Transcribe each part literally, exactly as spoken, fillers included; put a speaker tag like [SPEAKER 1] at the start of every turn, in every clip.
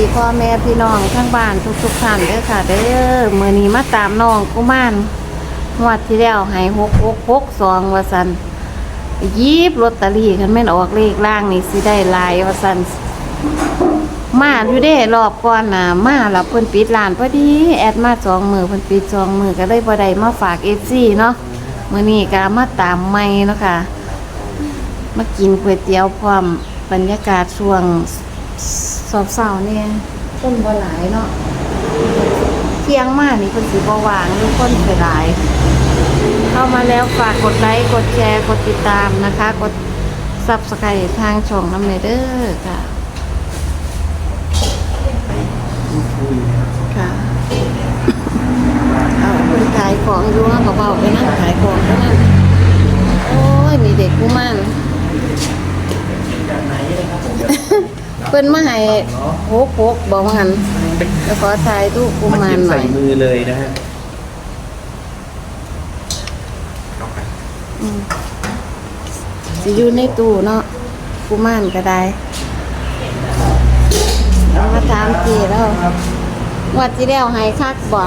[SPEAKER 1] พ่อแม่พี่น้องทั้งบ้านทุกๆท่านเด้อค่ะเด้อมื้อนี้มาตามน้องกุมารงวดที่แล้วให้หก หก หก สองว่าซั่นหยิบลอตเตอรี่คันแม่นออกเลขล่างนี่สิได้หลายว่าซั่นมาอยู่เด้รอบก่อนน่ะมาแล้วเพิ่นปิดร้านพอดีแอดมาสองมื้อเพิ่นปิดสองมื้อก็เลยบ่ได้มาฝาก เอฟ ซี เนาะมื้อนี้ก็มาตามใหม่เนาะค่ะมากินก๋วยเตี๋ยวพร้อมบรรยากาศช่วงสอบเสาเนี่ยต้นบ่หลายเนาะเที่ยงมากนี่คนสีบ่วางทุกคนไปหลายเข้ามาแล้วฝากกดไลค์กดแชร์กดติดตามนะคะกดซับสไครต์ทางช่องน้ำเนเดอร์ค่ะค่ะเอาคนขายของอยู่นะเบาๆไปนั่งขายของไปนั่งโอ้ยมีเด็กผู้มั่นเพิ่นมาให้โหกโหกบอกว่างั้นแล้วขอถ่ายรูปกุมารหน่อย
[SPEAKER 2] ใส่มือเลยนะฮะ
[SPEAKER 1] สิอยู่ในตู้เนาะกุมารก็ได้เอามาถามจีแล้ววัดที่แล้วให้คักบ่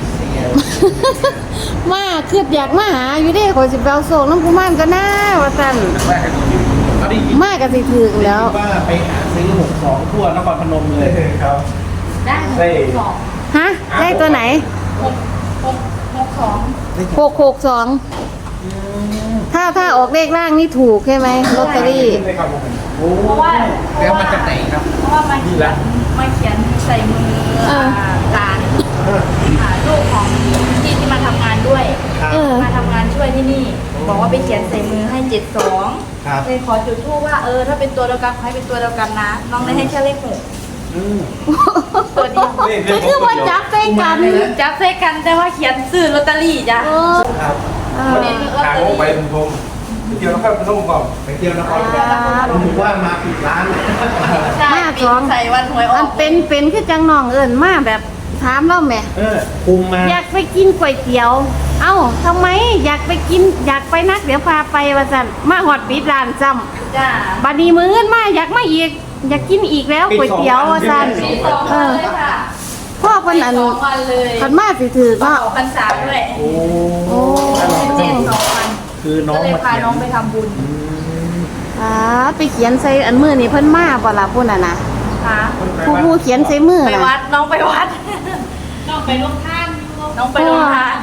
[SPEAKER 1] มาคืออยากมาหาอยู่เด้ขอสิไปเอาโศกน้ำกุมารก็น่าว่าซั่นมาก็สิถึงแล้ว
[SPEAKER 2] ว่าไปหาซื้อหกสองทั่วนครพนมเลยครับได้หก
[SPEAKER 1] ฮะได้ตัวไหน
[SPEAKER 3] หก หก หก สอง
[SPEAKER 1] หก หก สองถ้าถ้าออกเลขล่างนี่ถูกใช่ไหมลอตเตอรี่
[SPEAKER 3] เพราะว่าเพ
[SPEAKER 2] แล้ว
[SPEAKER 3] ราะ
[SPEAKER 2] มัน
[SPEAKER 3] ว่า
[SPEAKER 2] จะไหนครับ
[SPEAKER 3] เพราะว่ามาเขียนมาเขียนใส่มือหลานลูกของที่ที่มาทำงานด้วยมาทำงานช่วยที่นี่บอกว่าไปเขียนใส่มือให้เจ็ดสองเลยขอจุดทูปว่าเออถ้าเป็นตัวเดียวกันให้เป็นตัวเดียวกันนะน้องได้ให้แค่เลขหกตัวเดียว
[SPEAKER 1] คือคือว่าจับใส่กัน
[SPEAKER 3] จับใส่กันแต่ว่าเขียนซื้อลอตเตอรี่จ้ะ
[SPEAKER 2] ครับทางไปผมผมไปเที่ยวนครพนมก่อนไปเที่ยวนครพนมผมว่ามาปิดร้าน
[SPEAKER 3] ใช่ปีใส่วันหวยออก
[SPEAKER 1] มันเป็นเป็นคือจังน้องเอิญมาแบบถามเราแม่
[SPEAKER 2] เออคุมมา
[SPEAKER 1] อยากไปกินก๋วยเตี๋ยวเอ้าทำไมอยากไปกินอยากไปนักเดี๋ยวพาไปว่าสั่นมาหอดปิดร้านซ้ำ
[SPEAKER 3] จ้า
[SPEAKER 1] บัดนี้มื้ออื่นมาอยากมาอีกอยากกินอีกแล้วก๋วยเตี๋ยวว่าสั่นเออพ่อเพิ่นอันคันมาสิถือก็
[SPEAKER 3] พรรษาด้วย
[SPEAKER 2] โอ้
[SPEAKER 1] โอ้
[SPEAKER 3] เจ็ดสองวัน
[SPEAKER 2] คือน้อง
[SPEAKER 3] มาพาน้องไปทำบุญ
[SPEAKER 1] อ่าไปเขียนใส่อันมือนี่เพิ่นมาบ่ล่ะพุ่นน่ะนะ
[SPEAKER 3] ค่ะ
[SPEAKER 1] ผู้ผู้เขียนใส่มือ
[SPEAKER 3] ไปวัดน้องไปวัดน้องไปลงทานน้องไปลงทาน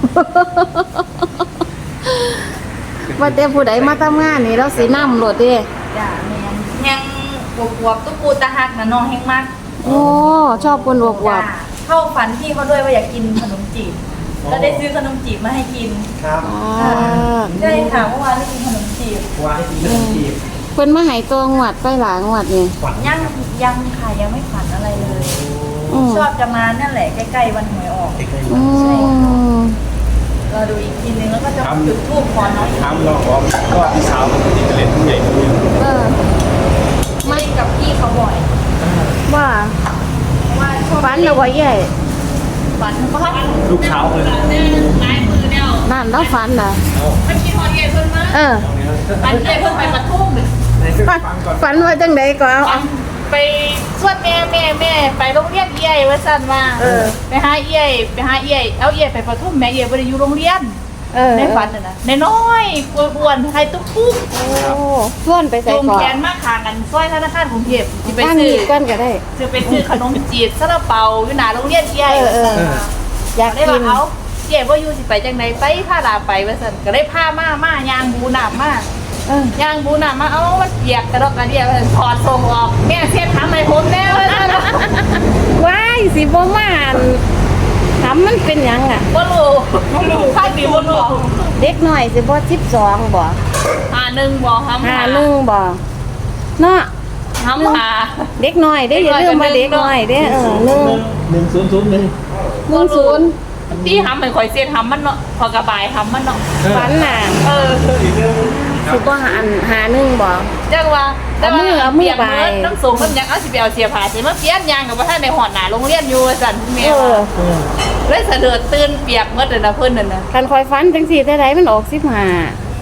[SPEAKER 1] ว่าแต่ผู้ใดมาทำงานนี่เราสินำรถเด้
[SPEAKER 3] จ้าแม่นยังบวบๆตุ๊กปูตาหักน่ะน้องแฮงมาก
[SPEAKER 1] โอ้ชอบคนบวบวบ
[SPEAKER 3] เข้าฝันพี่เขาด้วยว่าอยากกินขนมจีบแล้วได้ซื้อขนมจีบมาให้กิน
[SPEAKER 2] ครับ
[SPEAKER 3] ใช่ค่ะเมื่อวานได้กินขนมจีบ
[SPEAKER 2] วานได้กินขนมจีบ
[SPEAKER 1] เพิ่นมาให้ตัวงวดไปหลายงวดนี่
[SPEAKER 3] ยังยังค่ะยังไม่ฝันอะไรเลยชอบจะมานั่นแหละใกล้ๆวันหวยออกใช่รอดูอีกทีนึงแล้วก็จะจุดธูปขอน้อง
[SPEAKER 2] ทำลองบอกก็พี่สาวมันจะเล่นผู้ใหญ่ด้วย
[SPEAKER 1] เออ
[SPEAKER 3] ไม่กับพี่เขาบ่อย
[SPEAKER 1] ว่า
[SPEAKER 3] ว่า
[SPEAKER 1] ฝันเอาไว้ใหญ่
[SPEAKER 3] ฝันว่า
[SPEAKER 2] ลูกเช้าเลย
[SPEAKER 3] นายมือเนี่ย
[SPEAKER 1] นั่นแล้วฝันน่ะ
[SPEAKER 3] ไม่คิดฮอดเย่เพิ่นมา
[SPEAKER 1] เออ
[SPEAKER 3] ฝันเย่เพิ่นไปปทุม
[SPEAKER 1] ฝันว่าจังได๋ก็เอา
[SPEAKER 3] ไปสวดแม่แม่แม่ไปโรงเรียนเย่ว่าซั่นว่าเออไปหาเย่ไปหาเย่เอาเย่ไปปทุมแม่เย่บ่ได้อยู่โรงเรียน
[SPEAKER 1] เออ
[SPEAKER 3] ในฝันน่ะนะน้อยๆอ้วนๆใครตุ๊กปุ๊ก
[SPEAKER 1] โอ้ส่วนไปใส่
[SPEAKER 3] ก่อนแขนมาขางกันซอยธนาคารกรุงเทพสิไปซื้อ
[SPEAKER 1] กันก็ได้
[SPEAKER 3] สิไปซื้อขนมจีบซาลาเปาอยู่หน้าโรงเรียนเย่
[SPEAKER 1] เอออยาก
[SPEAKER 3] ได้ว่าเอาเย่บ่อยู่สิไปจังได๋ไปพาลาไปว่าซั่นก็ได้พามามาย่างบูน้ำมาเออย่างบูน้ำมาเอามันเปียกกระดอกกระเดี่ยถอดทรงออกแม่เช็ดทำให้ผมแน่ว่าซั่น
[SPEAKER 1] ว้ายสิบ่มาถามมันเป็นหยังอ่ะ
[SPEAKER 3] บ่รู้บ่รู้ใครสิบ่รู้
[SPEAKER 1] เด็กน้อยสิบ่สิบสองบ่
[SPEAKER 3] ห้าหนึ่งบ่ห้า
[SPEAKER 1] ห้าหนึ่งบ่เนาะ
[SPEAKER 3] ห้าหา
[SPEAKER 1] เด็กน้อยเด้อย่าลืมมาเด็กน้อยเด้เออหนึ่ง
[SPEAKER 2] หนึ่งศูนย์ศูนย์หนึ่ง
[SPEAKER 1] หนึ่งศูนย์
[SPEAKER 3] ที่ทำเป็นข่อยเสียทำมันเนาะพอกระบายทำมันเนาะ
[SPEAKER 1] ฝันน่ะ
[SPEAKER 3] เออ
[SPEAKER 1] สิบ่หาอันหาหนึ่งบ่
[SPEAKER 3] จังว่าแต่ว่าเอามือไปน้ำสูงมันยังเอาสิไปเอาเสียผ้าสิมาเปลี่ยนยางกับว่าท่านในหอดหนาโรงเรียนอยู่สั่นแม่ว่าเลยเสด็จตื่นเปียกเมื่อเดือนละเพิ่นนั่นน่ะ
[SPEAKER 1] คันคอยฝันจังสี่แต่ใดมันออกสิบห้า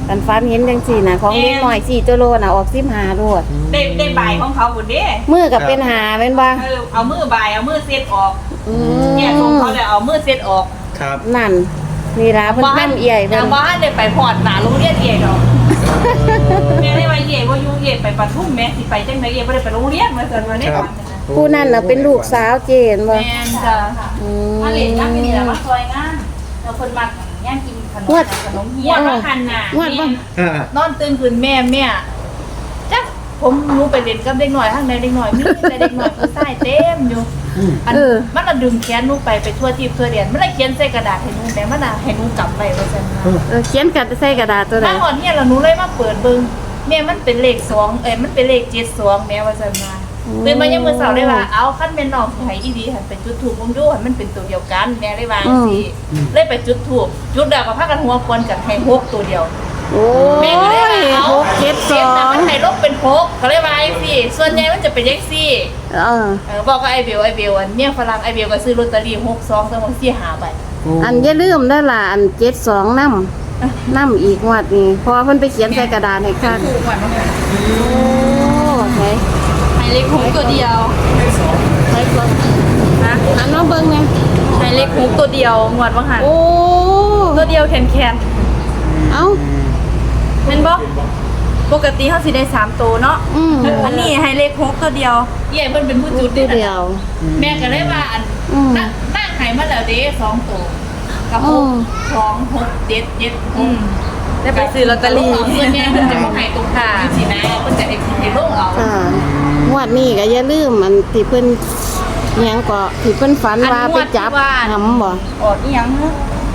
[SPEAKER 1] กันฟันเห็นจังสี่น่ะของเล็กน้อยสี่ตัวโลน่ะออกสิบห้าโลด
[SPEAKER 3] ได้ได้ใบของเขาบุญเด้
[SPEAKER 1] มือก็เป็นหาแม่นบ่
[SPEAKER 3] เออเอามือใบเอามือเซตออก
[SPEAKER 1] อื
[SPEAKER 3] เนี่ยของ
[SPEAKER 1] ม
[SPEAKER 3] เขาเลยเอามือเซตออก
[SPEAKER 2] ครับ
[SPEAKER 1] นั่นนี่ล่ะเพิ่นนำเอี่ยเพิ่
[SPEAKER 3] ยั
[SPEAKER 1] น
[SPEAKER 3] งบ้านได้ไปพอดหนาโรงเรียนเอ๋ดอกแม่ได้ว่าเอ๋ว่าอยู่เอ๋ไปปทุมแม่สิไปจังไดเอ๋บ่ได้ไปโรงเรียนมาซั่นว่าได้
[SPEAKER 2] ครับ
[SPEAKER 1] ผู้นั้นน่ะเป็นลูกสาวเจนบ่
[SPEAKER 3] แม่นจ้ะ
[SPEAKER 1] อืม
[SPEAKER 3] มาเล่นน้ำนี่แหละมาซอยงานแล้วเพิ่นมาย่างกินขนมขนมเฮียมาคันน่ะ
[SPEAKER 1] งวดบ่
[SPEAKER 2] อ่าน
[SPEAKER 3] อนตื่นขึ้นแม่แม่จ้ะผมรู้ไปเล่นกับเด็กหน่อยข้างในเด็กหน่อยมีแต่เด็กหน่อยคือใส่เต็มอยู่อันมันละดึงแขนหนูไปไปทั่วทีบทั่วเดียนมันละเขียนใส่กระดาษให้หนูแต่มันน่ะให้หนูกลับไปว่าซั่นนะ
[SPEAKER 1] เออเขียนกัดใส่กระดาษตัวใด
[SPEAKER 3] มาหอนเนี่ยแล้วหนูเลยมาเปิดเบิ่งแม่มันเป็นเลขสองเอ้ยมันเป็นเลขเจ็ดสองแม่ว่าซั่นมาตื่นมายังมื้อเช้าเลยว่าเอาคันแม่นน้องสิให้อีดีหันไปจุดธูปมงดูหันมันเป็นตัวเดียวกันแม่เลยว่าสิเลยไปจุดธูปจุดแล้วก็พากันหัวควนกันให้หกตัวเดียว
[SPEAKER 1] โอ้
[SPEAKER 3] แม่ก็เลย
[SPEAKER 1] ย
[SPEAKER 3] ว่าเอา
[SPEAKER 1] หกเจ็ดส
[SPEAKER 3] เจ็ด
[SPEAKER 1] อ
[SPEAKER 3] นะ
[SPEAKER 1] ง
[SPEAKER 3] มันให้ลบเป็นหกก็เลยว่าไอ้สิส่วนใหญ่มันจะเป็นเลขสี่
[SPEAKER 1] เออ
[SPEAKER 3] เออบอกกับไอ้เบลไอ้เบลอันเมียฝรั่งไอ้เบลก็ซื้อลอตเตอรี่หกสองตั้งสี่หาใบ
[SPEAKER 1] อันอย่าลืมเด้อล่ะอันเจ็ดสองนำนำอีกงวดนี้เพอเพิ่นไปเขียนใส่กระดาษให้คัก
[SPEAKER 3] ถูกกว่ามั้ง
[SPEAKER 1] โอ้ไหน
[SPEAKER 3] ให้เลขหกตัวเดียว
[SPEAKER 1] ไหนก่อน
[SPEAKER 3] นะ
[SPEAKER 1] อันน้องเบิ่งแม่
[SPEAKER 3] ให้เลขหกตัวเดียวงวดว่างหัน
[SPEAKER 1] โอ้
[SPEAKER 3] ตัวเดียวแขนแขน
[SPEAKER 1] เอ้า
[SPEAKER 3] เป็นบ่ปกติเขาสิได้สามตัวเนาะ
[SPEAKER 1] อืม
[SPEAKER 3] อันนี้ให้เลขหกตัวเดียวเย่เพิ่นเป็นผู้จุด
[SPEAKER 1] ตัวเดียว
[SPEAKER 3] แม่ก็เลยว่าอัน
[SPEAKER 1] อืม
[SPEAKER 3] นั่งนั่งให้มาแล้วเด้สองตัวกับห
[SPEAKER 1] อื
[SPEAKER 3] ก
[SPEAKER 1] ม
[SPEAKER 3] สองหกเจ็ดเจ็ดหกได้ไปซื้อลอตเตอรี่ส่วนใหญ่เพิ่นจะบ่ให้ตรงค่ะสินะเพิ่นจะเอ็กซ์ให้ลงเอา
[SPEAKER 1] ค่ะงวดนี้ก็อย่าลืมอันที่เพิ่นอิหยังก็ที่เพิ่นฝันว่าไปจับหำบ่
[SPEAKER 3] ออกอีหยังฮะ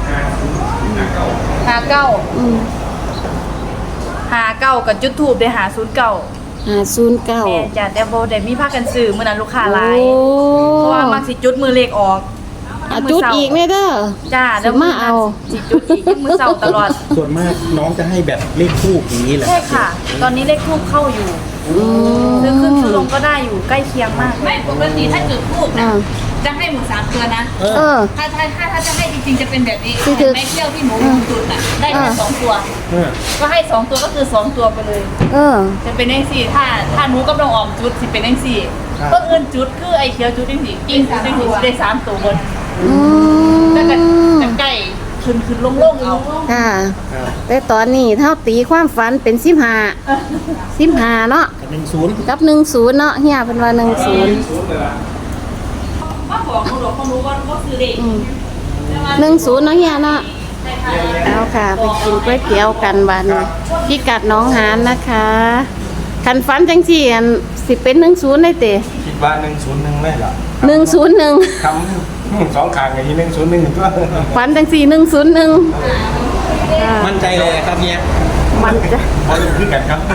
[SPEAKER 3] หาเก้า
[SPEAKER 1] อืม
[SPEAKER 3] หาเก้ากับจุดทูบได้หาศูนย์เก้า
[SPEAKER 1] ห้าศูนย์เก้า
[SPEAKER 3] แม่จ้ะแต่บ่ได้มีพากันซื้อมื้อนั้นลูกค้าหลาย
[SPEAKER 1] โอ้
[SPEAKER 3] เพราะว่ามักสิจุดมือเลขออก
[SPEAKER 1] อ่ะจุดอีกแม่เด้อ
[SPEAKER 3] จ้า
[SPEAKER 1] สิมาเอา
[SPEAKER 3] สิจุดอีกมื้อเช้าตลอด
[SPEAKER 2] ส่วนมากน้องจะให้แบบเลขทูบอย่างนี้แหละ
[SPEAKER 3] ใช่ค่ะ ตอนนี้เลขทูบเข้าอยู่
[SPEAKER 1] อืม
[SPEAKER 3] ซื้อขึ้นซื้อลงก็ได้อยู่ใกล้เคียงมาก ไม่ปกติถ้าจุดทูบนะ
[SPEAKER 1] อ่า
[SPEAKER 3] จะให้หมูสามตัวนะ
[SPEAKER 2] เอ
[SPEAKER 1] เอ
[SPEAKER 2] อ
[SPEAKER 1] อ
[SPEAKER 3] ถ้าถ้าถ้าถ้าจะให้จริงๆจะเป็นแบบนี้
[SPEAKER 1] คือคือ
[SPEAKER 3] ไม่เที่ยวที่หมูจุดอ่ะได้แค่
[SPEAKER 1] อ่า
[SPEAKER 3] สองตัว
[SPEAKER 2] เออ
[SPEAKER 3] ก็ให้สองตัวก็คือสองตัวไปเลย
[SPEAKER 1] เออ
[SPEAKER 3] จะเป็นเลขสี่ถ้าถ้าหนูกับน้องออมจุดสิเป็นเลขสี่เพิ่งเอินจุดคือไอ้เขียวจุดเลขสี่กิ้งจุดเลขสี่ได้สามตัวบน
[SPEAKER 1] อืม
[SPEAKER 3] แล้วก็จะใกล้ขึ้นขึ้นลงลงเอา
[SPEAKER 1] ค่ะ
[SPEAKER 2] ครับ
[SPEAKER 1] แต่ตอนนี้เท่าตีความฝันเป็นสิบห้าสิบห้าเนาะ
[SPEAKER 2] หนึ่งศูนย์
[SPEAKER 1] กับหนึ่งศูนย์เนาะเฮียเป็นว่าหนึ่งศูนย์
[SPEAKER 3] ว่าบอกหนูหรอกเขารู้ว่าว่าซื้อเด็ก
[SPEAKER 1] หนึ่งศูนย์เนาะเฮียเนาะเอาค่ะไปกินก๋วยเตี๋ยวกันบัดนพี่กัดหน้องหานนะคะคันฝันจังสี่อันสิเป็นหนึ่งศูนย์ได้เตะ
[SPEAKER 2] คิดว่าหนึ่งศูนย์หนึ่งได้เหรอ
[SPEAKER 1] หนึ่งศูนย์หนึ่ง
[SPEAKER 2] คำสองขางอย่างนี้หนึ่งศูนย์หนึ่งตัว
[SPEAKER 1] ฝันจังสี่หนึ่งศูนย์หนึ่ง
[SPEAKER 2] มั่นใจเลยครับเนี่ย
[SPEAKER 1] มันจะ
[SPEAKER 2] พอรู้ขึ้นกันครับ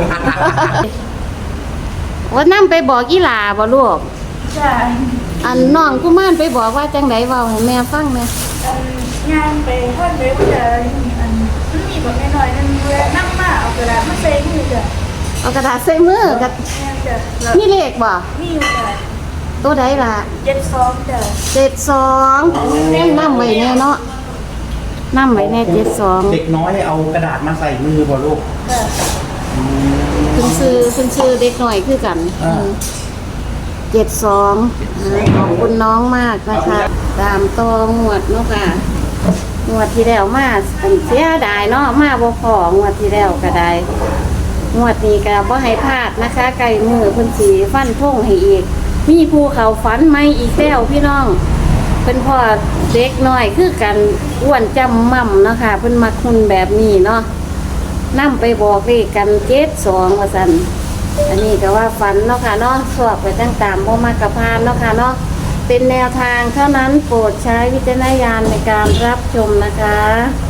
[SPEAKER 1] ว่านั่ไปบอกอีหลาบ่ลูก
[SPEAKER 3] ใช่
[SPEAKER 1] อันน้องกุมารไปบอกว่าจังไดเว้าให้แม่ฟังแหน่
[SPEAKER 3] งานไปท่านไปว่าจะอันมันมีแบบน้อยๆนั่นเวลานั่งมาเอากระดาษมาใส่มือจ้ะ
[SPEAKER 1] เอากระดาษใส่มือกับ
[SPEAKER 3] งานจ้ะแล้ว
[SPEAKER 1] มีเลขบ่
[SPEAKER 3] มีอยู่จ้ะ
[SPEAKER 1] ตัวใดล่ะ
[SPEAKER 3] เจ็ดซองจ้ะ
[SPEAKER 1] เจ็ดสองนำไว้แน่เนาะนำไว้แน่เจ็ดสอง
[SPEAKER 2] เด็กน้อยเอากระดาษมาใส่มือบ่ลูก
[SPEAKER 3] จ้ะ
[SPEAKER 1] คุณซื้อคุณซื้อเด็กหน่อยคือกัน
[SPEAKER 2] อ่า
[SPEAKER 1] เจ็ดสองขอบคุณน้องมากนะคะ ตามตองวดเนาะค่ะงวดที่แล้วมาอันเสียดายเนาะมาบ่พองวดที่แล้วก็ได้งวดนี้ก็บ่ให้พลาดนะคะ ไก่มือเพิ่นสีฟันทงให้อีก มีภูเขาฝันไหมอีกแล้วพี่น้องเพิ่นพ่อเด็กน้อยคือกันอ้วนจำม่ำเนาะค่ะเพิ่นมักหุ่นแบบนี้เนาะนำไปบอกเลขกันเจ็ดสองว่าซั่นอันนี้ก็ว่าฝันเนาะค่ะเนาะสวบไปตั้งตามบ่มากกะพานเนาะค่ะเนาะเป็นแนวทางเท่านั้นโปรดใช้วิจารณญาณในการรับชมนะคะ